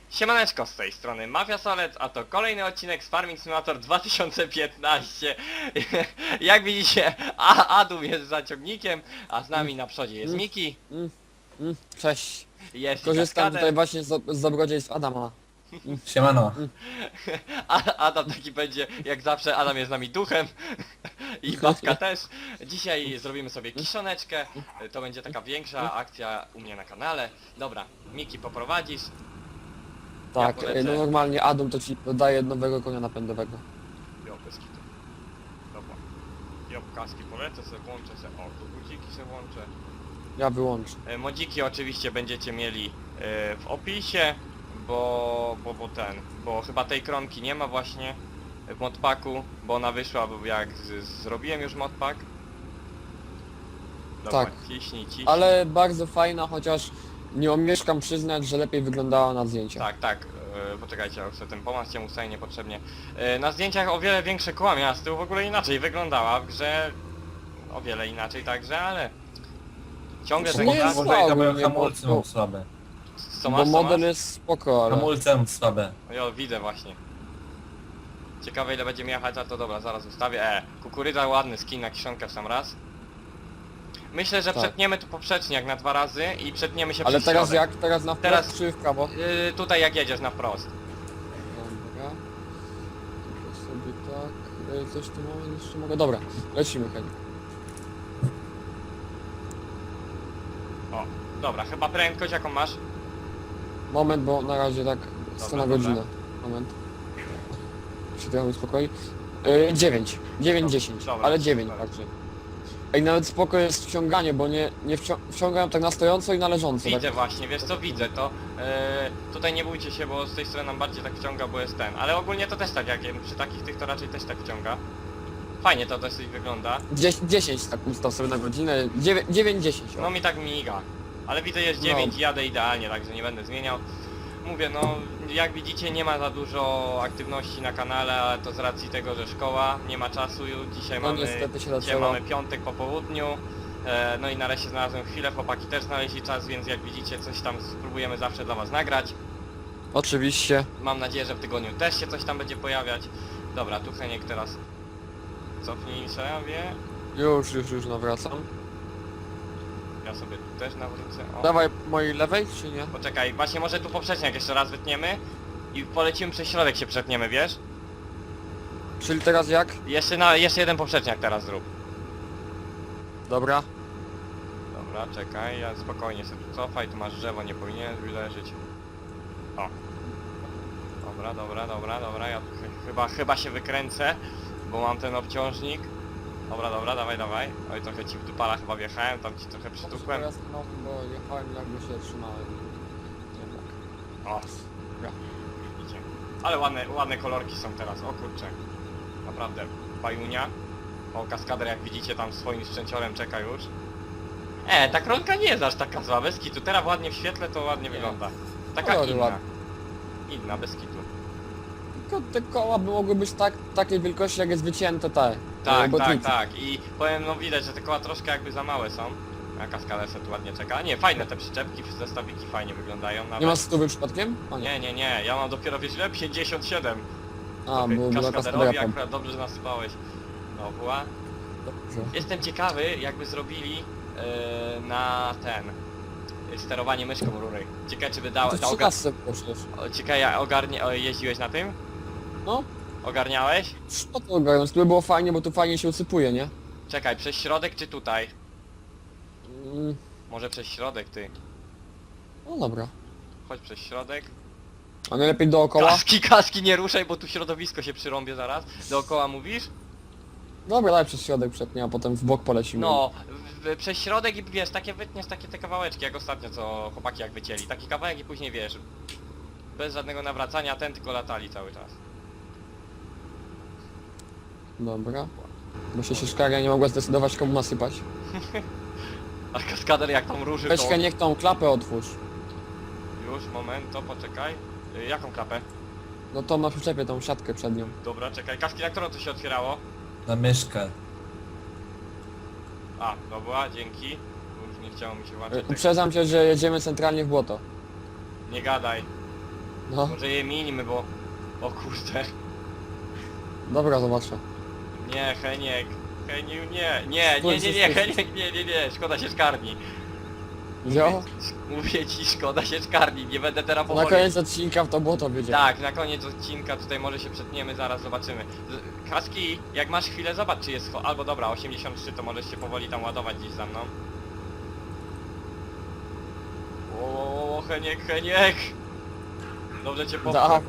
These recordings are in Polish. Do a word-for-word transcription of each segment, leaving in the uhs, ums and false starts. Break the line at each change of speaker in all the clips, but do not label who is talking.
Siemaneczko, z tej strony Mafia Solec, a to kolejny odcinek z Farming Simulator dwa tysiące piętnaście. Jak widzicie, a Adum jest za ciągnikiem, a z nami na przodzie jest
Mm.
Miki,
Mm, mm, cześć.
jest
Korzystam
Kaskader,
tutaj właśnie z, z dobrodziejstw Adama.
Siemano.
a Adam taki będzie, jak zawsze, Adam jest z nami duchem i babka też. Dzisiaj zrobimy sobie kiszoneczkę, to będzie taka większa akcja u mnie na kanale. Dobra, Miki poprowadzisz.
Tak,
polecę.
no normalnie Adam to ci dodaje nowego konia napędowego.
Jo, bez kitu. Dobra. Jo, kaski polecę sobie, włączę sobie. O, tu guziki sobie włączę.
Ja wyłączę.
E, Modziki oczywiście będziecie mieli e, w opisie, bo, bo, bo ten, bo chyba tej kronki nie ma właśnie w modpacku, bo ona wyszła, bo jak z, zrobiłem już modpack. Dobra,
Tak.
ciśnij, ciśnij.
Ale bardzo fajna, chociaż nie omieszkam przyznać, że lepiej wyglądała na zdjęciach.
Tak, tak, e, poczekajcie, ja sobie ten pomaz cię ustaje niepotrzebnie. E, na zdjęciach o wiele większe koła miała, z tyłu w ogóle inaczej wyglądała, w grze o wiele inaczej także, ale ciągle
To
ten
nie jest
gaz,
zła.
Może moje
ogólnie,
hamulce
bo-
mam słabe.
co
Bo
masz, co
model
masz?
jest spoko, ale...
Hamulce mam słabe.
Jo, widzę właśnie. Ciekawe ile będziemy jechać, ale to dobra, zaraz ustawię. E, kukurydza ładny skin na kiszonkę w sam raz. Myślę, że
Tak.
przetniemy tu poprzeczniak na dwa razy i przetniemy się
Ale
przez
teraz
środek.
jak? Teraz na wprost
Teraz-
czy w prawo?
Yy, tutaj jak jedziesz na wprost.
Dobra. Tylko sobie tak... e, Coś tu mamy jeszcze mogę... Dobra, lecimy Heli.
O, dobra, chyba prędkość jaką masz?
Moment, bo na razie tak sto na
dobra.
godzinę. Moment. Się trochę uspokoi. Yy, dziewięć. dziewięć,
Dobra,
dziesięć.
dobra,
Ale dziewięć
dobra.
także. Ej, nawet spoko jest wciąganie, bo nie, nie wcią wciągają tak na stojąco i na leżąco.
Widzę
Tak.
właśnie, wiesz co, widzę to. Yy, tutaj nie bójcie się, bo z tej strony nam bardziej tak wciąga, bo jest ten. Ale ogólnie to też tak, jak przy takich tych to raczej też tak wciąga. Fajnie to dosyć wygląda.
dziesięć, dziesięć tak ustaw sobie na godzinę. dziewięć, dziesięć.
No mi tak miga. Ale widzę jest
No.
dziewięć i jadę idealnie, także nie będę zmieniał. Mówię, no jak widzicie nie ma za dużo aktywności na kanale, ale to z racji tego, że szkoła, nie ma czasu już. Dzisiaj
No
mamy,
niestety się
dzisiaj
zaczęło.
mamy piątek po południu. E, no i nareszcie znalazłem chwilę, chłopaki też znaleźli czas, więc jak widzicie coś tam spróbujemy zawsze dla was nagrać.
Oczywiście.
Mam nadzieję, że w tygodniu też się coś tam będzie pojawiać. Dobra, tu Heniek teraz cofnij sobie.
Już, już, już nawracam.
Ja sobie tu też nawrócę. O.
Dawaj mojej lewej, czy nie?
Poczekaj, właśnie może tu poprzeczniak jeszcze raz wytniemy i polecimy przez środek się przetniemy, wiesz?
Czyli teraz jak?
Jeszcze na, jeszcze jeden poprzeczniak teraz zrób.
Dobra.
Dobra, czekaj, ja spokojnie sobie tu cofaj, tu masz drzewo, nie powinieneś leżeć. O. Dobra, dobra, dobra, dobra, ja tu ch chyba, chyba się wykręcę, bo mam ten obciążnik. Dobra, dobra, dawaj, dawaj. Oj, trochę ci w dupala chyba wjechałem, tam ci trochę przytukłem.
Teraz no, bo jechałem jakby się trzymałem. Jednak.
O, dobra. Idzie. Ale ładne, ładne kolorki są teraz, o kurczę. Naprawdę, bajunia. O, kaskader jak widzicie tam swoim sprzęciorem czeka już. E, ta kronka nie jest aż taka zła, bez kitu. Teraz ładnie w świetle to ładnie
Nie.
wygląda. Taka
Kolory
inna.
ładne.
Inna, bez kitu.
Tylko te koła by mogły być tak, takiej wielkości jak jest wycięte te.
Tak,
e, botniki.
tak, tak. I powiem, no widać, że te koła troszkę jakby za małe są. A kaskader sobie tu ładnie czeka. Nie, fajne te przyczepki, zestawiki fajnie wyglądają nawet.
Nie ma stówy przypadkiem? O nie.
Nie, nie, nie, ja mam dopiero wiesz ile? pięćdziesiąt siedem.
A, bo była
Kaskaderowi
kaskadera tam.
akurat dobrze, że nasypałeś. No była.
Dobrze.
Jestem ciekawy, jakby zrobili yy, na ten yy, sterowanie myszką rury. Ciekawe czy by dał,
To
dał
przy
ogar...
kasce poszłeś.
o, ciekawe ja ogarnie... o, jeździłeś na tym?
No,
Ogarniałeś?
co to ogarnąć? To by było fajnie, bo tu fajnie się usypuje, nie?
Czekaj, przez środek czy tutaj?
Mm,
Może przez środek ty.
no dobra.
Chodź przez środek.
A najlepiej dookoła?
Kaski, kaski nie ruszaj, bo tu środowisko się przyrąbie zaraz. Dookoła mówisz?
Dobra, daj przez środek przetnie, a potem w bok polecimy.
No, w, w, przez środek i wiesz, takie wytniesz takie te kawałeczki, jak ostatnio co chłopaki jak wycięli. Taki kawałek i później wiesz, bez żadnego nawracania, ten tylko latali cały czas.
Dobra. Bo się sieszkaria nie mogła zdecydować komu nasypać.
A kaskader jak tam ruszy
Weź
to...
niech tą klapę otwórz.
Już, moment, to poczekaj. Y, jaką klapę?
No to na przyczepie tą siatkę przed nią.
Dobra, czekaj, kaski na którą to się otwierało?
Na myszkę.
A, dobra, dzięki. Już nie chciało mi się
E,
łączyć. Tak...
Uprzedzam cię, że jedziemy centralnie w błoto.
Nie gadaj.
No,
Może je minimy, bo... O kurde.
dobra, zobaczę.
Nie, Heniek. Heniu, nie. Nie, nie, nie, nie,
Stój, stój,
Heniek, nie, nie, nie. Szkoda się szkarni.
Jo?
Mówię ci, szkoda się szkarni. Nie będę teraz
Na
powoli.
koniec odcinka w to błoto wiedzie.
Tak, na koniec odcinka tutaj może się przetniemy, zaraz zobaczymy. Z- Kaski, jak masz chwilę, zobacz czy jest... cho- Albo dobra, osiemdziesiąt trzy to możesz się powoli tam ładować gdzieś za mną. O, Heniek, Heniek! Dobrze cię
Da.
popchnę.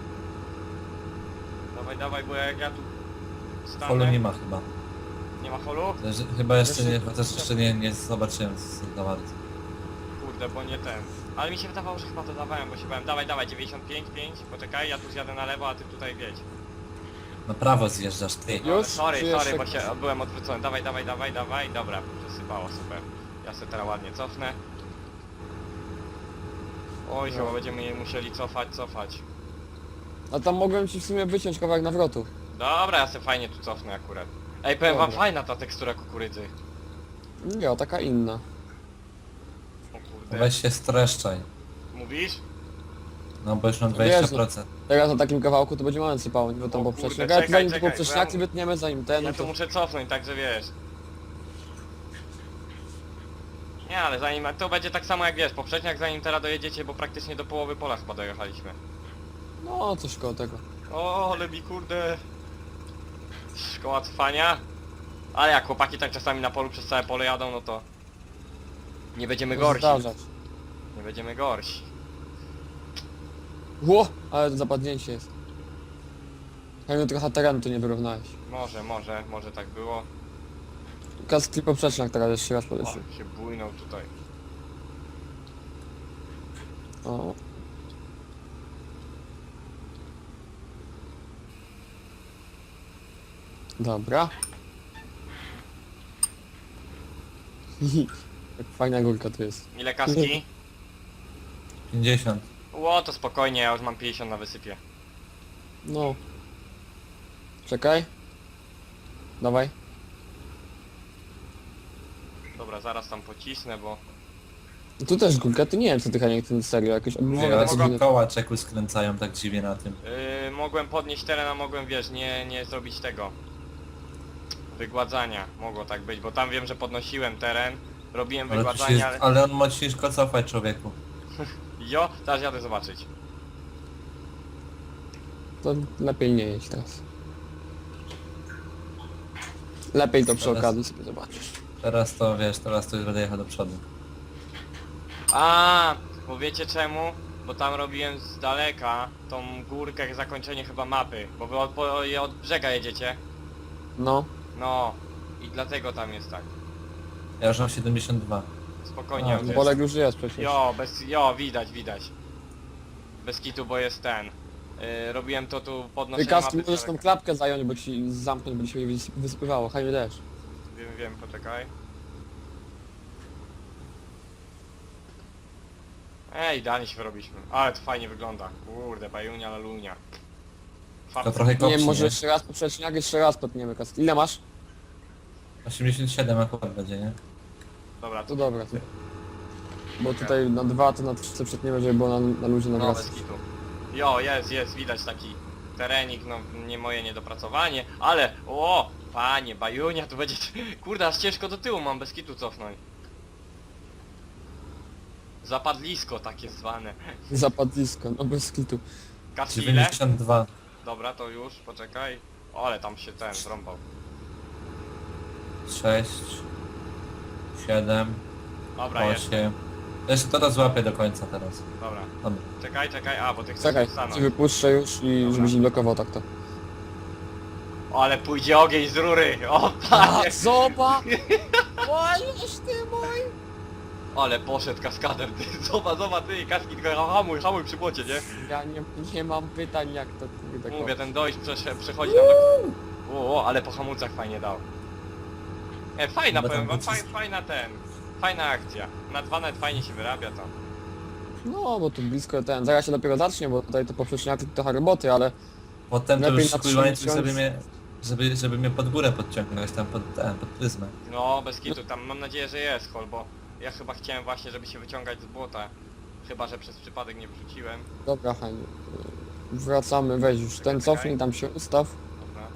Dawaj, dawaj, bo jak ja tu stanę...
Holu nie ma chyba.
Nie ma holu?
Też, chyba jeszcze nie,
Jeszcze-
chociaż jeszcze nie, nie zobaczyłem z- za bardzo.
Kurde, bo nie ten. Ale mi się wydawało, że chyba to dawałem, bo się bałem. Dawaj, dawaj, dziewięćdziesiąt pięć, pięć. Poczekaj, ja tu zjadę na lewo, a ty tutaj wiedź.
Na prawo zjeżdżasz ty.
Już?
Ale sorry,
Czy
sorry,
jeszcze
bo się
ktoś?
byłem odwrócony. Dawaj, dawaj, dawaj, dawaj. Dobra, przesypało, super. Ja sobie teraz ładnie cofnę. Oj,
No.
chyba będziemy musieli cofać, cofać.
A tam mogłem ci w sumie wyciąć kawałek nawrotu.
Dobra, ja sobie fajnie tu cofnę akurat. Ej, powiem wam,
Dobra.
fajna ta tekstura kukurydzy.
Nie, taka inna.
O kurde.
Weź się streszczaj.
Mówisz?
No bo już mam
Wiesz,
dwadzieścia procent.
Teraz na takim kawałku to będzie moment sypało, bo tam
O
poprzeczniak.
kurde,
Ale
czekaj,
zanim
czekaj,
tylko
bo
poprzeczniaki
ja-
wytniemy, zanim ten,
Ja
no
tu
to...
muszę cofnąć, także wiesz. Nie, ale zanim... To będzie tak samo jak wiesz, poprzedniak zanim teraz dojedziecie, bo praktycznie do połowy pola chyba dojechaliśmy.
No, coś koło tego.
O, ale mi kurde... Szkoła cofania. Ale jak chłopaki tak czasami na polu przez całe pole jadą, no to... Nie będziemy
Może
gorsi.
zdarzać.
Nie będziemy gorsi.
Ło! Ale to zapadnięcie jest. Pewnie trochę terenu tu nie wyrównałeś.
Może, może, może tak było.
Kaski poprzeczniak teraz jeszcze raz
O,
poleci.
się bujnął tutaj.
O. Dobra. Jak fajna górka tu jest.
Ile kaski?
pięćdziesiąt.
Ło, to spokojnie, ja już mam pięćdziesiąt na wysypie.
No. Czekaj. Dawaj.
Dobra, zaraz tam pocisnę, bo...
No tu też górka, ty nie wiem co ty Haniek, ten serio, jakieś
Mogę,
Ja
obniżone
mogę.
tylko koła czeku skręcają tak dziwnie na tym.
Yy, mogłem podnieść teren, a mogłem, wiesz, nie, nie zrobić tego wygładzania. Mogło tak być, bo tam wiem, że podnosiłem teren, robiłem
Ale, tu się,
wygładzanie, ale...
ale on musisz go cofać, człowieku.
Jo, teraz jadę zobaczyć.
To lepiej nie jeść teraz. Lepiej to przy
Teraz-
okazji sobie zobaczysz.
Teraz to wiesz, teraz to już będę jechał do przodu.
A, bo wiecie czemu? Bo tam robiłem z daleka tą górkę, jak zakończenie chyba mapy, bo wy od, po- od brzega jedziecie.
No.
No, i dlatego tam jest tak.
Ja już mam siedemdziesiąt dwa.
Spokojnie,
A,
od-
jest.
Bolek już jest przecież.
Jo, bez, jo, widać, widać. Bez kitu, bo jest ten. Yy, robiłem to tu
Ty
podnoszenie
Kaski
mapy z
możesz tą
daleka.
klapkę zająć, bo ci zamknąć, bo ci się nie wys- wysypywało. Hajmy też.
Wiem, wiem, poczekaj. Ej, idealnie się wyrobiliśmy. Ale to fajnie wygląda. Kurde, bajunia, lalunia.
To trochę
Nie
kopci,
wiem, może
nie?
jeszcze raz poprzeczniak, jeszcze raz potniemy Kaski. Ile masz?
osiemdziesiąt siedem akurat będzie, nie?
Dobra,
To
to
dobra. To... Bo tutaj na dwa, to na trzy przetniemy, żeby było na, na luzie
no,
nawracać.
bez kitu. Jo, jest, jest, widać taki terenik, no nie moje niedopracowanie, ale o, panie, bajunia, tu będzie, kurde, aż ciężko do tyłu mam bez kitu cofnąć. Zapadlisko takie zwane.
Zapadlisko, no bez kitu.
Kaskile?
dziewięćdziesiąt dwa.
Dobra, to już, poczekaj. O, ale tam się ten zrąbał.
sześć. siedem.
Dobra, jest,
osiem. Jeszcze to złapię do końca teraz.
dobra.
Dobra.
Czekaj, czekaj, a, bo ty chcesz
Czekaj,
stanąć.
ci wypuszczę już i
Dobra.
żebyś nie blokował tak to.
O, ale pójdzie ogień z rury, o
A,
panie!
zoba! Łazisz ty mój!
Ale poszedł kaskader, ty, zobacz, zobacz, ty, kaski, tylko hamuj, hamuj przy błocie, nie?
Ja nie, nie mam pytań jak to ty tak.
Mówię, ten dojść przesze- przechodzi nam do... O, o, ale po hamulcach fajnie dał. E, fajna,
Chyba
powiem
tam
wam, faj,
pocisk-
fajna ten, fajna akcja. Na dwa net fajnie się wyrabia tam.
No, bo tu blisko ten, zaraz się dopiero zacznie, bo tutaj to poprzeczniaki trochę roboty, ale
Potem to
Lepiej
już
na
swój
trzy
łańcuch,
miesiące.
żeby mnie, żeby, żeby mnie pod górę podciągnąć tam pod, ten, pod pryzmę.
No, bez kitu, tam mam nadzieję, że jest hol, bo ja chyba chciałem właśnie, żeby się wyciągać z błota. Chyba, że przez przypadek nie wrzuciłem.
Dobra, Heniu. Wracamy, weź już ten cofnij, tam się ustaw.
Dobra.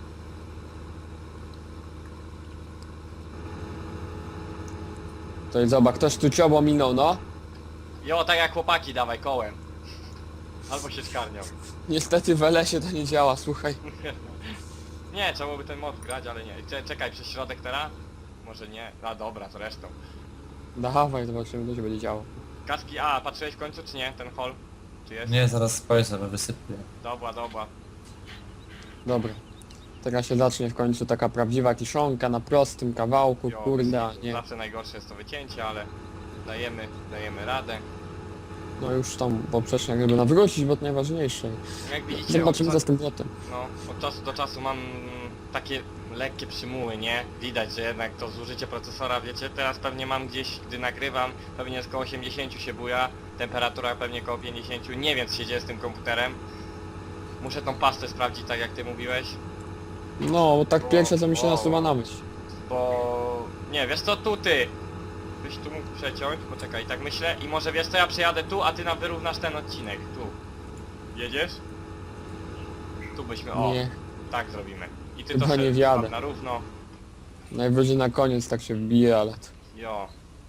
To jest zobacz, ktoś tu ciobło minął, no.
Jo, tak jak chłopaki, dawaj kołem. Albo się skarnią.
Niestety w L S ie to nie działa, słuchaj.
Nie, trzeba byłoby ten mod grać, ale nie. Cze- Czekaj, przez środek teraz? Może nie. A dobra, to resztą.
Dawaj, zobaczymy, co się będzie działo.
Kaski, a patrzyłeś w końcu czy nie? Ten hol? Czy jest?
Nie, zaraz spojrzę, bo wysypię.
Dobra, dobra.
Dobra. Teraz się zacznie w końcu taka prawdziwa kiszonka na prostym kawałku,
Jo,
kurde, a nie.
Zawsze najgorsze jest to wycięcie, ale dajemy, dajemy radę.
No już tam poprzecznie jakby nawrócić, bo to najważniejsze.
Jak widzicie, od,
Zobaczymy
cza-
za z tym botem.
no, od czasu do czasu mam takie lekkie przymuły, nie? Widać, że jednak to zużycie procesora, wiecie, teraz pewnie mam gdzieś, gdy nagrywam, pewnie jest koło osiemdziesiąt się buja, temperatura pewnie koło pięćdziesiąt, nie wiem co się dzieje z tym komputerem. Muszę tą pastę sprawdzić, tak jak ty mówiłeś,
No, bo tak
Bo-
pierwsze co mi się
wow.
nasuwa na myśl.
bo... Nie, wiesz co, tu ty! Byś tu mógł przeciąć, poczekaj, tak myślę, i może wiesz co, ja przejadę tu, a ty nam wyrównasz ten odcinek, tu. Jedziesz? Tu byśmy, o,
Nie,
tak zrobimy. I ty
Chyba
to
nie
sobie
wjadę.
tam na równo,
najwyżej na koniec tak się wbije, ale to...
jo.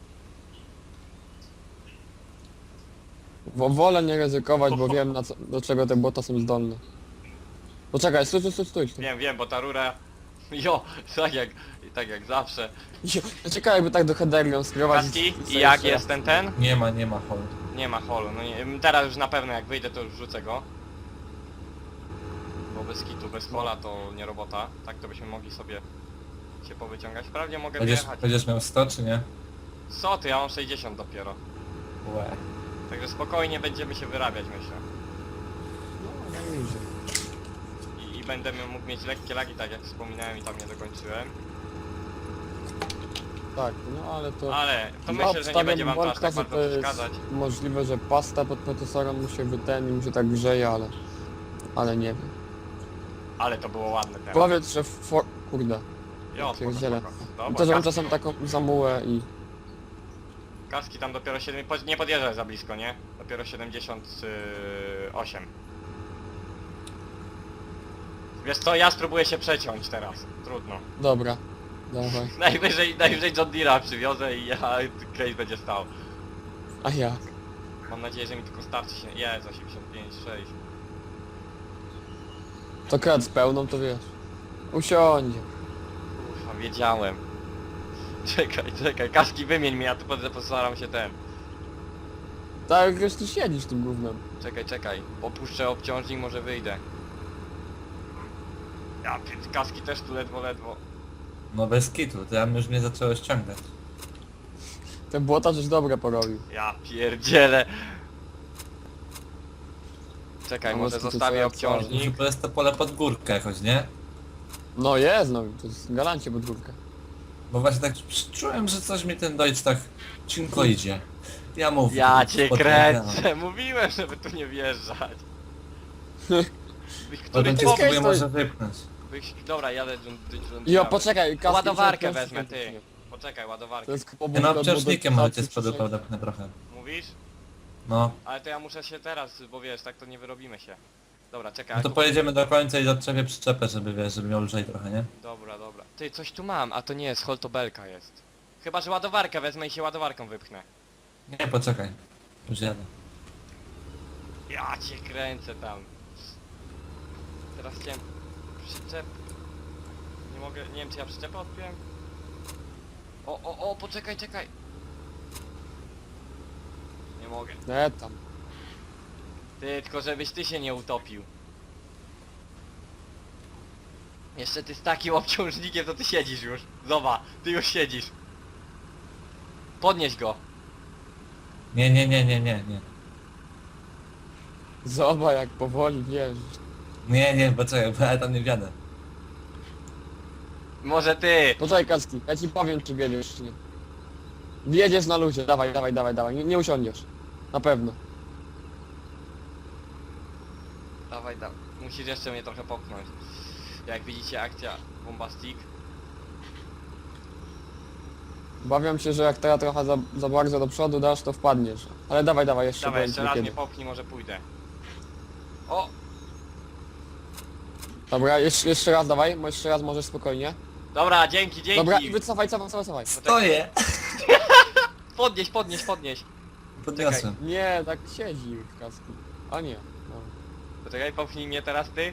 Wo- Wolę nie ryzykować, bo wiem na co, do czego te bota są zdolne. Poczekaj, stój, stój, stój, stój. stój.
Wiem, wiem, bo ta rura... Jo, tak jak, tak jak zawsze.
Czekaj, jakby tak do headerią skierować.
Kaski, i jak jest ten ten?
Nie ma, nie ma hol.
Nie ma holu, no nie, teraz już na pewno jak wyjdę to już wrzucę go. Bo bez kitu, bez hola to nie robota. Tak to byśmy mogli sobie się powyciągać. Wprawdzie mogę
Będziesz,
wyjechać.
będziesz miał sto czy nie?
Co ty, ja mam sześćdziesiąt dopiero.
Łe.
Także spokojnie będziemy się wyrabiać, myślę.
No, no idzie.
I, i będę mógł mieć lekkie lagi, tak jak wspominałem i tam nie dokończyłem.
Tak, no ale to...
Ale to
No,
myślę, że nie
obstawiam
będzie wam to aż
wątka,
tak
że
bardzo
to jest
przeszkadzać.
możliwe, że pasta pod procesorem mu się wyten i mu się tak grzeje, ale... Ale nie wiem.
Ale to było ładne teraz.
Powiedz, że for... Kurde.
Jo, spoko,
pierdzielę.
spoko.
To,
Dobra,
że mam
kaski,
czasem taką zamułę i...
kaski tam dopiero siedem... po- Nie podjeżdżaj za blisko, nie? Dopiero siedemdziesiąt osiem. Wiesz co, ja spróbuję się przeciąć teraz. Trudno.
Dobra. Dawaj.
Najwyżej, najwyżej John Deere'a przywiozę i ja, case będzie stał.
A jak?
Mam nadzieję, że mi tylko starczy się... Jest, osiemdziesiąt pięć, sześć.
To krat z pełną, to wiesz. Usiądzie.
Ufa, wiedziałem. Czekaj, czekaj, kaski wymień mi, ja tu pod postaram się ten.
Tak, wiesz, ty siedzisz tym gównem.
Czekaj, czekaj. Opuszczę obciążnik, może wyjdę. Ja, pier- kaski też tu ledwo, ledwo.
No bez kitu, to ja już mnie zaczęło ściągać.
Ten błota coś dobre porobił.
Ja pierdzielę. Czekaj,
A
może
może to
zostawię
co ja
obciążnik.
Może to jest to pole pod górkę jakoś, nie?
No jest, no, to jest galancie podwórka.
Bo właśnie tak czułem, że coś mi ten Deutsch tak cinko idzie. Ja mówię.
Ja cię
podpowiadam.
kręcę, mówiłem, żeby tu nie wjeżdżać. Byś- Który
Potem cię
Jest
chłop...
spróbuję
to jest-
może wypchnąć.
byś- Dobra, jadę John John
Jo,
Deere'em.
poczekaj, kaski
Ładowarkę
się
wezmę,
odkręci.
ty. Poczekaj, ładowarkę.
To jest
Ja
pobudka
na
od
obciążnikiem
modyfikacji
ale cię z przodu
przyszłej-
podepchnę trochę.
Mówisz?
No.
Ale to ja muszę się teraz, bo wiesz, tak to nie wyrobimy się. Dobra, czekaj.
No to
tu-
pojedziemy do końca i odczepię przyczepę, żeby wiesz, żeby miał lżej trochę, nie?
Dobra, dobra. Ty, coś tu mam, a to nie jest, holtobelka jest. Chyba, że ładowarkę wezmę i się ładowarką wypchnę.
Nie, poczekaj. Już jadę.
Ja cię kręcę tam. Teraz chciałem przyczep... Nie mogę, nie wiem czy ja przyczepę odpiłem? O, o, o, poczekaj, czekaj. Nie mogę.
Nie tam.
Ty, tylko żebyś ty się nie utopił. Jeszcze ty z takim obciążnikiem to ty siedzisz już. Zobacz, ty już siedzisz. Podnieś go.
Nie, nie, nie, nie, nie, nie.
Zobacz jak powoli, wiesz.
Nie, nie, poczekaj, bo ja tam nie wjadę.
Może ty.
Poczekaj, kaski, ja ci powiem, czy wiedziesz, czy nie. Wjedziesz na luzie, dawaj, dawaj, dawaj, dawaj, nie, nie usiądziesz. Na pewno.
Dawaj, dawaj. Musisz jeszcze mnie trochę popchnąć. Jak widzicie, akcja Bombastic.
Obawiam się, że jak teraz trochę za, za bardzo do przodu dasz, to wpadniesz. Ale dawaj, dawaj, jeszcze
Dawaj,
powiedz
jeszcze
mi
raz
kiedy.
mnie popchnij, może pójdę. O!
Dobra, jeszcze, jeszcze raz dawaj, bo jeszcze raz możesz spokojnie.
Dobra, dzięki, dzięki!
Dobra, i wycofaj, cofaj, cofaj, cofaj.
Stoję!
Podnieś, podnieś, podnieś!
Podniosłem.
Nie, tak siedzi w kaski. A nie. No.
Poczekaj, popchnij mnie teraz ty.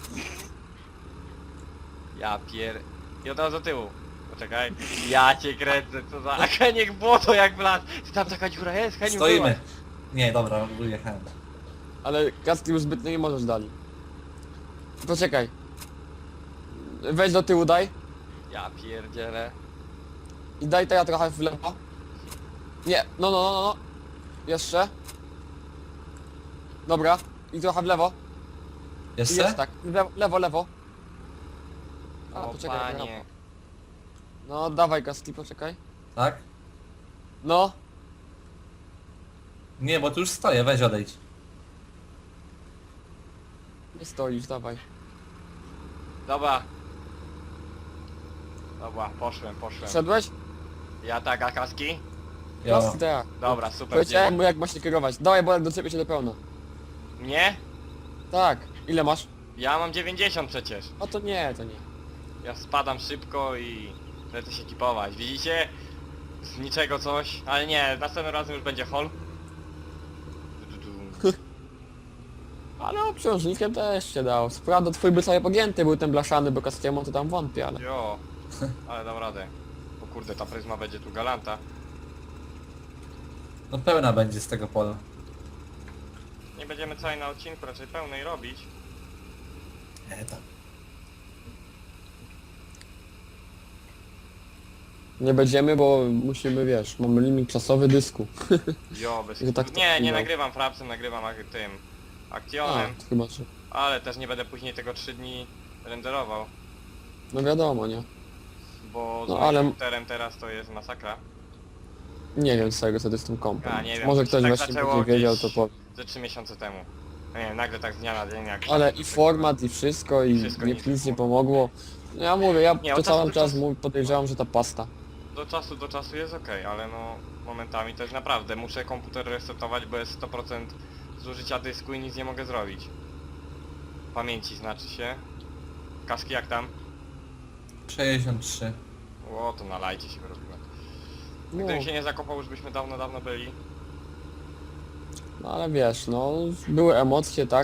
Ja pier... I od razu do tyłu. Poczekaj. Ja cię kręcę, co za... A Heniek błoto jak wlazł! Ty tam taka dziura jest, Heniu
Stoimy. Nie, dobra, wyjechałem.
Ale kaski już zbytnio nie możesz dali. Poczekaj. Weź do tyłu, daj.
Ja pierdzielę.
I daj teraz trochę w lewo. Nie, no, no, no, no, no. Jeszcze. Dobra. I trochę w lewo. I
Jeszcze?
jest tak. W lewo, lewo, lewo. A,
O
poczekaj.
panie.
No, dawaj kaski, poczekaj.
Tak?
No.
Nie, bo tu już stoję, weź odejdź.
Nie stoisz, dawaj.
Dobra. Dobra, poszłem, poszłem.
Wszedłeś?
Ja tak, a kaski?
Jo.
Kaski tak.
Dobra, super.
Powiedziałem mu jak ma się kierować. Dawaj, bo jak do ciebie się dopełna.
Nie?
Tak. Ile masz?
Ja mam dziewięćdziesiąt przecież.
No to nie, to nie.
Ja spadam szybko i lecę się ekipować. Widzicie? Z niczego coś. Ale nie, następnym razem już będzie hol. Du, du, du.
Ale obciążnikiem też się dał. Sprawda, twój by sobie pogięty był ten blaszany, bo kastiemu to tam wątpię, ale...
Jo, ale dam radę. O kurde, ta pryzma będzie tu galanta.
No pełna będzie z tego pola.
Nie będziemy całej na odcinku raczej pełnej robić.
Nie, tam.
Nie będziemy, bo musimy, wiesz, mamy limit czasowy dysku.
Jo, bez...
I tak to
Nie, nie
chwilą.
nagrywam frapsem, nagrywam ak- tym
A,
akcjonem,
to chyba, że...
ale też nie będę później tego trzy dni renderował,
No wiadomo, nie?
bo z
No,
moim
ale-
komputerem teraz to jest masakra.
Nie wiem z tego, co to z tym kompem.
A, nie wiem,
Może
to się
ktoś
tak
właśnie
zaczęło
będzie wiedział,
gdzieś-
to powie.
Ze trzy miesiące temu. No nie, nagle tak z dnia na dzień jak...
Ale i format, i wszystko, i
Wszystko
nie,
nic
nic nie
nie
pomogło. No ja mówię, ja
Nie,
to
od czasu
cały
do
czas
czasu-
mu- podejrzewam, że ta pasta.
Do czasu do czasu jest ok, ale no momentami to jest naprawdę, muszę komputer resetować, bo jest sto procent zużycia dysku i nic nie mogę zrobić. Pamięci znaczy się. Kaski jak tam?
sześćdziesiąt trzy.
O, to na lajcie się wyrobiłem.
No,
Gdybym się nie zakopał, już byśmy dawno, dawno byli.
no ale wiesz, no, były emocje, tak?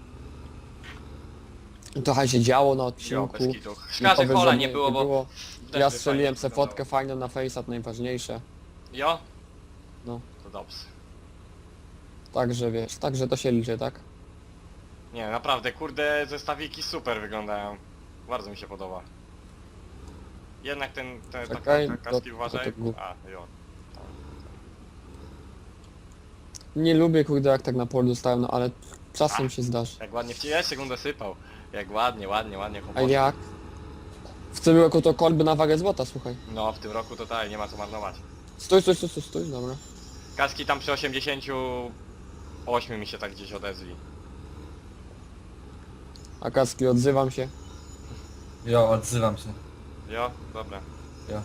Trochę się działo na
Jo,
odcinku.
bez kitu. Szkoda, że
powiedz,
hola
że
nie było, bo... też
Ja
by
strzeliłem
fajnie
se
wyglądało.
fotkę fajną na Face'a, najważniejsze.
Jo?
No.
To dobrze.
Także wiesz, także to się liczy, tak?
Nie, naprawdę, kurde, zestawiki super wyglądają. Bardzo mi się podoba. Jednak ten, ten
Czekaj,
taka,
to-
kaski
to
uważaj.
tak było.
A, jo.
Nie lubię, kurde, jak tak na polu dostałem, no ale czasem
A.
się zdarzy.
Jak ładnie w ciebie sekundę sypał. Jak ładnie, ładnie, ładnie
A
chłopacy.
jak? W tym roku to kolby na wagę złota, słuchaj.
No, w tym roku to tak, nie ma co marnować.
Stój, stój, stój, stój, stój, dobra.
Kaski tam przy osiemdziesięciu ośmiu mi się tak gdzieś odezwij.
A kaski, odzywam się.
Jo, odzywam się.
Jo? Dobra.
Jo.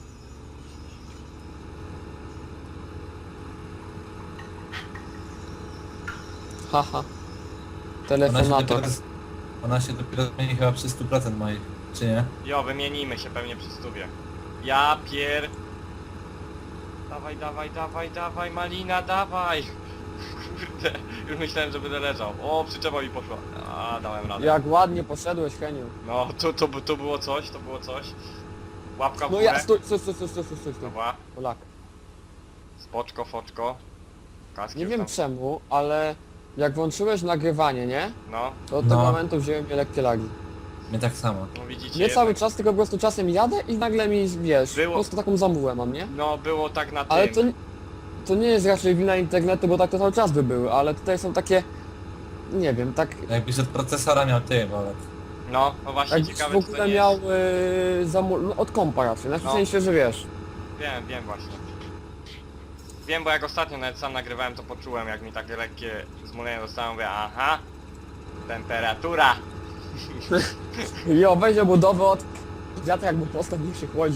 Haha.
Ona się
Telefonator.
dopiero, ona się dopiero zmieni chyba przy stu procent moich, czy nie?
Jo, wymienimy się pewnie przy stówie. Ja pier... Dawaj, dawaj, dawaj, dawaj, malina, dawaj! Kurde, już myślałem, że będę leżał. O, przyczepa mi poszła. A, dałem radę.
Jak ładnie poszedłeś, Heniu.
No, to, to, to było coś, to było coś. Łapka w
No
górę.
ja, stój, stój, stój, stój, stój, stój, stój.
Dobra,
Polak.
spoczko, foczko. Kaski
Nie
już
wiem
tam.
czemu, ale jak włączyłeś nagrywanie, nie?
No,
To od
No.
tego momentu wzięły mnie lekkie lagi.
My tak samo.
no widzicie.
Nie cały
jednak-
czas, tylko po prostu czasem jadę i nagle mi, wiesz,
Było-
po prostu taką zamułę mam, nie?
No, było tak na tym.
Ale to, to nie jest raczej wina internetu, bo tak to cały czas by były, ale tutaj są takie, nie wiem, tak
Jakbyś od procesora miał ty, Bolek.
No, no właśnie
jakbyś
ciekawe,
w
czy to
ogóle
nie
miał
jest...
y, zamu- no, od kompa raczej, na
No.
sensie, że wiesz.
Wiem, wiem właśnie. Wiem, bo jak ostatnio nawet sam nagrywałem, to poczułem, jak mi takie lekkie zmulenie dostałem, mówię, aha, temperatura.
Jo, weź obudowę od wiatra jakby postać niech się chłodzi.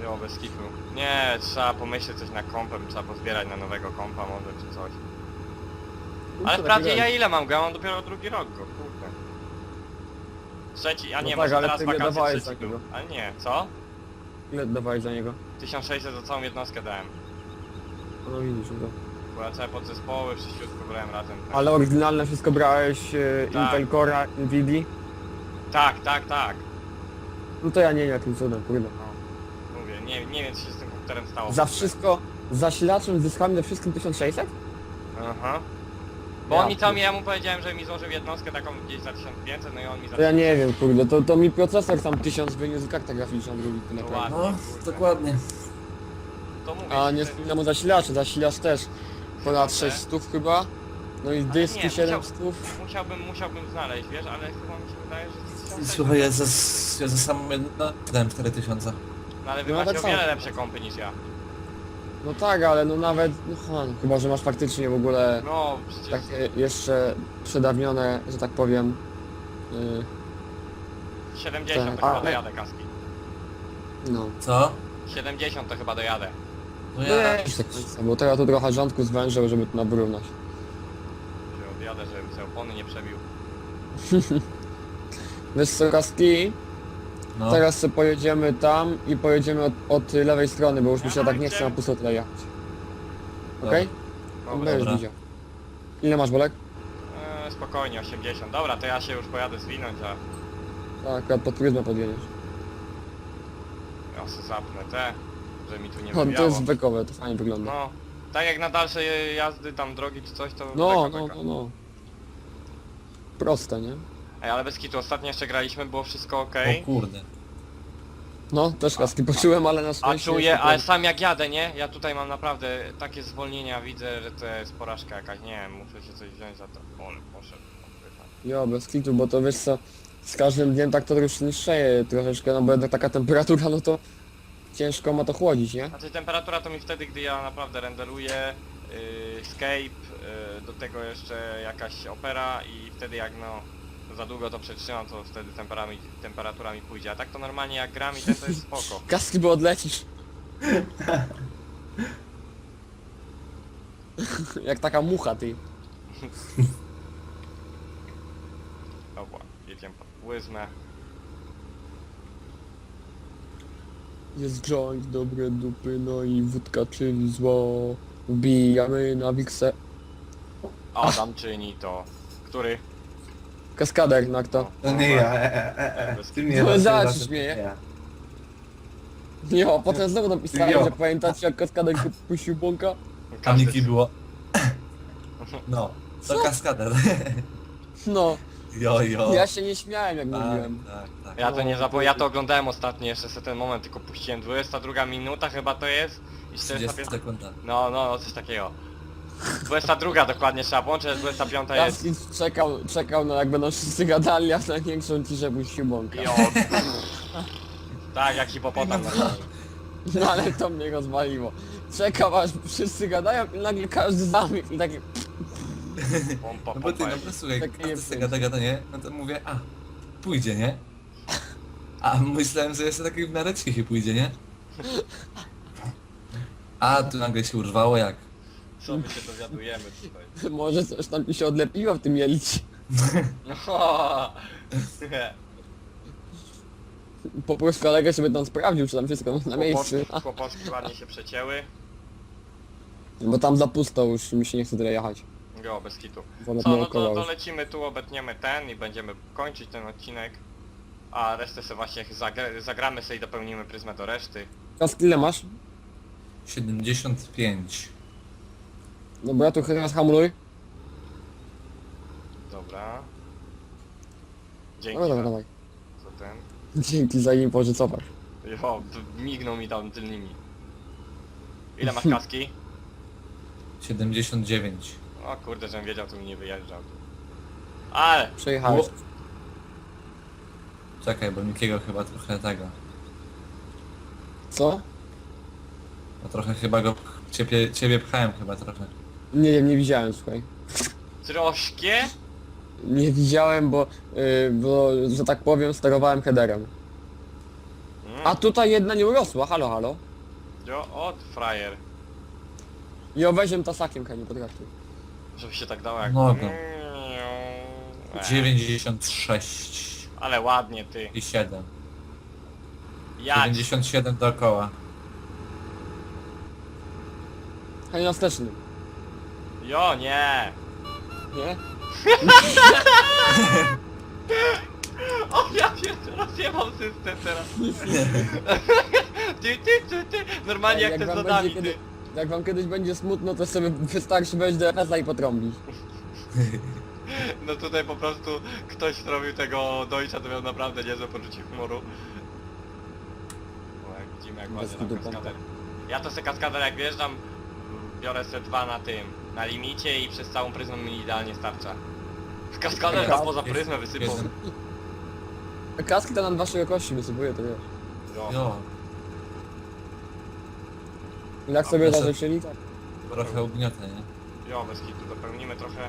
Jo, bez kitu. Nie, trzeba pomyśleć coś na kompem, trzeba pozbierać na nowego kompa może czy coś.
No
Ale
to
wprawdzie
taki
ja
gaj.
ile mam go? Ja mam dopiero drugi rok go, kurde. Trzeci, a
No
nie,
tak,
może
ale
teraz
ty nie
wakacje
dawałeś
trzeci
takiego.
był. Ale nie, co?
Ile dawałeś za niego?
tysiąc sześćset za całą jednostkę dałem.
No widzisz, no.
Bo ja całe podzespoły wszystko brałem razem. Tak.
Ale oryginalne wszystko brałeś e,
Tak.
Intel Core'a, Nvidia?
Tak, tak, tak.
No to ja nie wiem jakim cudem, kurde.
No, mówię, nie, nie wiem co się z tym komputerem stało. w
Za
ogóle.
wszystko, zasilaczem, zyskami, za wszystkim tysiąc sześćset?
Aha. Bo
Ja
on mi tam,
pier-
ja mu powiedziałem, że mi złożył jednostkę taką gdzieś za tysiąc pięćset, no i on mi za
To ja nie wiem, kurde, to, to mi procesor tam tysiąc wyniósł, karta graficzna drugi, to naprawdę.
No, dokładnie.
To mówię,
A
ci,
nie
że-
wspominam o zasilaczu, zasilacz też ponad sześćset chyba. No i dyski
nie,
siedemset.
Musiałbym, musiałbym znaleźć, wiesz, ale chyba mi się wydaje, że tysiąc sześćset.
Słuchaj, ja za, ja za samą jedno dałem cztery tysiące.
No ale wy
No,
macie
tak
o wiele
samo.
lepsze kompy niż ja.
No tak, ale no nawet, no, ha, no, chyba że masz faktycznie w ogóle
No, przecież...
takie jeszcze przedawnione, że tak powiem. Yy,
siedemdziesiąt
tak,
to chyba
ale-
dojadę, kaski.
no.
Co?
siedemdziesiąt to chyba dojadę.
No
No
ja...
jest tak, bo to ja tu trochę rządku zwężył, żeby tu nawyrównać.
Że odjadę, żebym sobie opony nie przebił.
Wiesz co, Kaski?
No.
Teraz sobie pojedziemy tam i pojedziemy od, od lewej strony, bo już mi się
Aha,
tak nie
gdzie?
chce na pusto tyle jechać. Okej?
Dobra.
Będziesz
dobra.
widział. Ile masz, Bolek?
Eee, spokojnie, osiemdziesiąt. Dobra, to ja się już pojadę zwinąć, a
Tak, akurat pod pryzmę podjedziesz.
ja sobie zapnę te, że mi tu nie
No, to
wybiało.
jest bekowe, to fajnie wygląda.
No, tak jak na dalsze jazdy tam drogi czy coś, to
No,
beka,
no,
beka.
no, no. Proste, nie?
Ej, ale bez kitu, ostatnio jeszcze graliśmy, było wszystko ok.
O kurde.
No, też Kaski poczułem, ale na
A
szczęście...
czuję,
jeszcze
ale
ten-
sam jak jadę, nie? Ja tutaj mam naprawdę takie zwolnienia, widzę, że to jest porażka jakaś, nie wiem, muszę się coś wziąć za to. Ole, poszedł.
Jo, bez kitu, bo to wiesz co, z każdym dniem tak to już niższeje troszeczkę, no bo jednak taka temperatura, no to ciężko ma to chłodzić, nie?
Znaczy temperatura to mi wtedy, gdy ja naprawdę renderuję, yy, Escape, yy, do tego jeszcze jakaś opera i wtedy jak no za długo to przetrzymam, to wtedy temperami, temperatura mi pójdzie, a tak to normalnie jak gram i ten to jest spoko.
Kaski, bo odlecisz. Jak taka mucha, ty.
Dobra, jedziemy pod płyzmę.
Jest joint, dobre dupy, no i wódka czyli zło. Wbijamy na wiksę.
Adam czyni to. Który?
Kaskader, no kto?
To nie ja, e, e, e, e.
Bez
Ty mnie
No,
raz-
zaraz
raz-
się śmieje.
ja.
Jo, potem znowu napisałem,
Jo.
że pamiętacie jak kaskader puścił bąka?
Paniki było. No. To kaskader.
No,
Jo, jo.
ja się nie śmiałem jak
Tak,
mówiłem.
tak, tak.
Ja to nie zapomnę, ja to oglądałem ostatnio jeszcze sobie ten moment, tylko puściłem dwudziesta druga minuta chyba to jest i czterdziesta
trzydzieści
pięć.
sekund.
No, no, no, coś takiego. dwudziesta druga dokładnie trzeba włączyć, a dwudziesta piąta jest.
Kaski czekał, czekał na jak będą wszyscy gadali, a na większą ciszę puścił bąka.
Jo. Tak, jak hipopotam normalnie.
No ale to mnie rozwaliło. Czekał aż wszyscy gadają i nagle każdy zamilkł i takie...
Pompa,
No bo ty,
pompa
no
jest.
bo słuchaj,
Takie
każdy
jest
sobie gada, gada, nie? No to mówię, a, pójdzie, nie? A myślałem, że jeszcze taki w miarę cichy pójdzie, nie? A tu nagle się urwało jak.
Co my się dowiadujemy tutaj?
Może coś tam mi się odlepiło w tym jelicie.
No.
Poproszę kolegę, żeby tam sprawdził, czy tam wszystko na miejscu.
Kłopoczki, kłopoczki ładnie się przecięły.
Bo tam za pusto już mi się nie chce tyle jechać.
Go, bez kitu.
Wolę
Co, no
dookoła
to, to
już.
lecimy tu, obetniemy ten i będziemy kończyć ten odcinek. A resztę sobie właśnie zagra zagramy sobie i dopełnimy pryzmę do reszty.
Teraz ile masz?
siedemdziesiąt pięć.
Dobra, tu teraz hamuluj.
Dobra. Dzięki
Dobra, dobra,
za,
dawaj.
za ten.
Dzięki za info, że cofasz.
Jo, t- mignął mi tam tylnymi. Ile masz kaski?
siedemdziesiąt dziewięć.
O kurde, żebym wiedział, to mi nie wyjeżdżał. Ale!
Przejechałeś.
Czekaj, bo Mikiego chyba trochę tego.
Co?
No trochę chyba go, pch- ciebie, ciebie pchałem chyba trochę.
Nie wiem, nie widziałem, słuchaj.
Troszkę?
Nie widziałem, bo, yy, bo że tak powiem, sterowałem headerem.
Mm,
A tutaj jedna nie urosła, halo, halo.
Jo, od frajer.
I weźmiem tasakiem, Heniu, potraktuj.
Żeby się tak dało jak...
Mogę.
Ech,
dziewięćdziesiąt sześć
Ale ładnie ty.
i siedem.
Jak?
dziewięćdziesiąt siedem dookoła.
Heniu, na wstecznym.
Jo, nie.
Nie?
O, ja pierdolę, rozjebał system teraz. Ty, ty, ty, ty. Normalnie jak, te z
wam
lodami,
będzie
ty.
kiedy, jak wam kiedyś będzie smutno, to sobie wystarczy wejść do F S A i potrąbić.
No tutaj po prostu ktoś zrobił tego dojścia, to miał naprawdę niezłe poczucie humoru. No jak widzimy jak
Bez
ładnie tam
kitu
kaskader. Ja to se kaskader jak wjeżdżam, biorę se dwa na tym, na limicie i przez całą pryzmę mi idealnie starcza. Kaskader tam poza pryzmę wysypał.
Jestem-
Kaski to nam dwa szerokości wysypuje, to wiesz.
Jo.
Jo,
Jak
A
sobie
proszę-
zażyczyli, tak.
trochę ugniotę, nie?
Jo, bez kitu, dopełnimy trochę.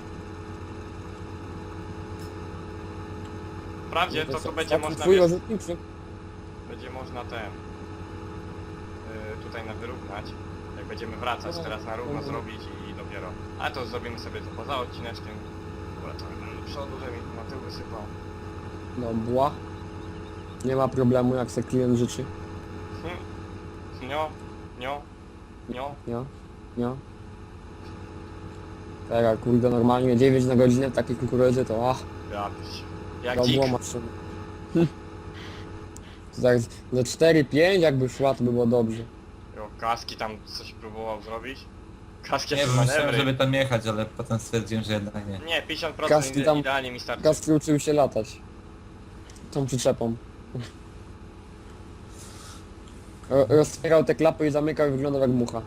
Wprawdzie to, to będzie można,
Twój
wiesz,
rozrzutnik, czy?
będzie można ten... Yy, tutaj na wyrównać. Jak będziemy wracać
No,
teraz na równo
no.
zrobić i dopiero. Ale to zrobimy sobie to poza odcineczkiem. Dobra, to do przodu, żeby mi na tył wysypał.
Dobra. Nie ma problemu, jak se klient życzy.
Hm. Nio, nio, nio.
Nie? Nie? Teraz, kurde, normalnie dziewięć na godzinę w takiej kukurydzy to ach,
Ja, jak
to
dzik.
było maszyny. Hm. Tak, za cztery pięć jakby szła, to by było dobrze.
Jo, kaski tam coś próbował zrobić. Kaski
Nie
jakieś
wiem, myślałem,
manewry.
żeby tam jechać, ale potem stwierdziłem, że jednak nie.
Nie, pięćdziesiąt
Kaski
procent ide
tam-
idealnie mi starczy.
Kaski uczył się latać. Tą przyczepą. Ro- Roztwierał te klapy i zamykał i wyglądał jak mucha.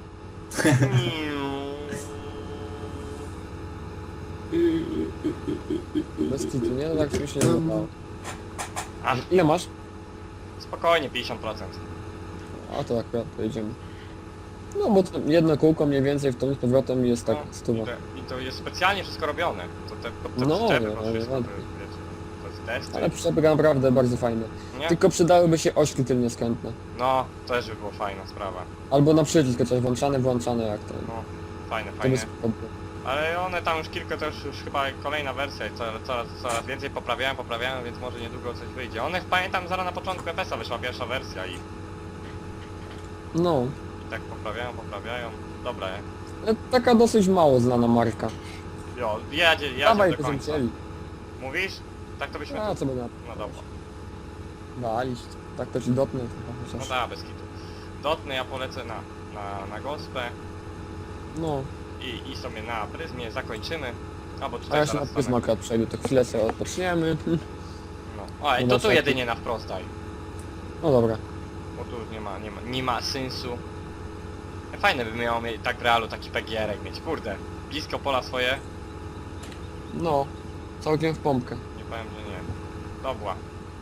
Bez kitu, nie? No tak się nie wydawało.
A,
Ile masz?
spokojnie, pięćdziesiąt procent.
A to akurat pojedziemy. No bo to jedno kółko mniej więcej w tą z powrotem jest tak
No,
stuwa.
I to, I to jest specjalnie wszystko robione. To te, to, te
No,
przyczepy,
no,
to
no,
wszystko, to,
ładnie.
wiecie, to jest testy.
Ale przyczepy naprawdę bardzo fajne.
Nie?
Tylko przydałyby się ośki tylnie skrętne.
No, też by było fajna sprawa.
Albo na przycisk chociaż włączane, włączane jak to.
No, fajne,
To by
fajne.
spoko było.
Ale one tam już kilka, to już, już chyba kolejna wersja i coraz, coraz, coraz więcej poprawiają, poprawiają, więc może niedługo coś wyjdzie. One pamiętam zaraz na początku F S a wyszła pierwsza wersja i, i
No.
tak poprawiają, poprawiają. Dobra,
Ale taka dosyć mało znana marka.
jo, jedzie, jedzie
Dawaj,
do
to
końca.
chcieli.
Mówisz? Tak to byśmy...
A co by na
No dobra.
walić. Tak to ci dotnę chyba
No
chociaż.
da, bez kitu. Dotnę, ja polecę na, na, na gospę
No.
i, i sobie na pryzmie zakończymy. Albo
A
tutaj
ja się na
zaraz
pryzma akurat przejdę, to chwilę sobie odpoczniemy.
No. O, i
No
to
na
tu
taki-
jedynie na wprost daj.
No dobra.
Bo tu już nie ma, nie ma, nie ma sensu. Fajne by miało mieć tak w realu taki P G R-ek mieć, kurde. Blisko pola swoje,
No. Całkiem w pompkę.
nie powiem, że nie. Dobra.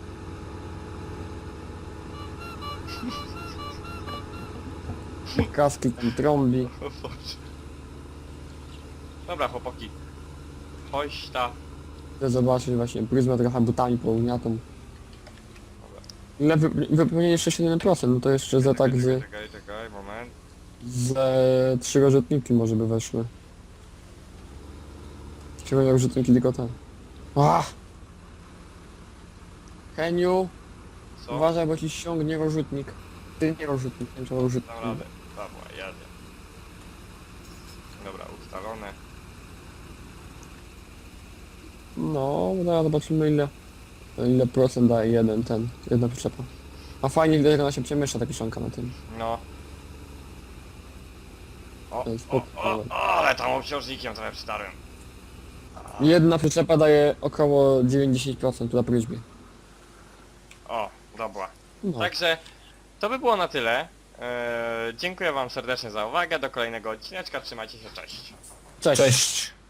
Kaski tam trąbi.
O Boże. Dobra chłopaki. Hośta.
Chcę zobaczyć właśnie pryzmę trochę butami południatą.
Dobra.
Ile wy, wypełnienie jeszcze siedem procent, no to jeszcze za tak z,
Czekaj, czekaj, moment.
z trzy rozrzutniki może by weszły. Trzy rozrzutniki tylko ten. Ach! Heniu,
Co?
uważaj, bo ci ściągnie rozrzutnik. Ty nie rozrzutnik, nie to rozrzutnik.
Dam radę. Dobra, jadę. Dobra, ustalone.
No, zaraz zobaczymy ile, ile procent daje jeden ten, jedna przyczepa. A fajnie widać, jak ona się przemieszcza ta kiszonka na tym.
No. O,
To jest
o,
spoko.
o, o, ale tam obciążnikiem trochę przytarłem. A,
Jedna przyczepa daje około dziewięćdziesiąt procent na pryzmie.
O, dobra.
No.
Także to by było na tyle. Eee, dziękuję wam serdecznie za uwagę. Do kolejnego odcineczka. Trzymajcie się, cześć.
Cześć.
Cześć!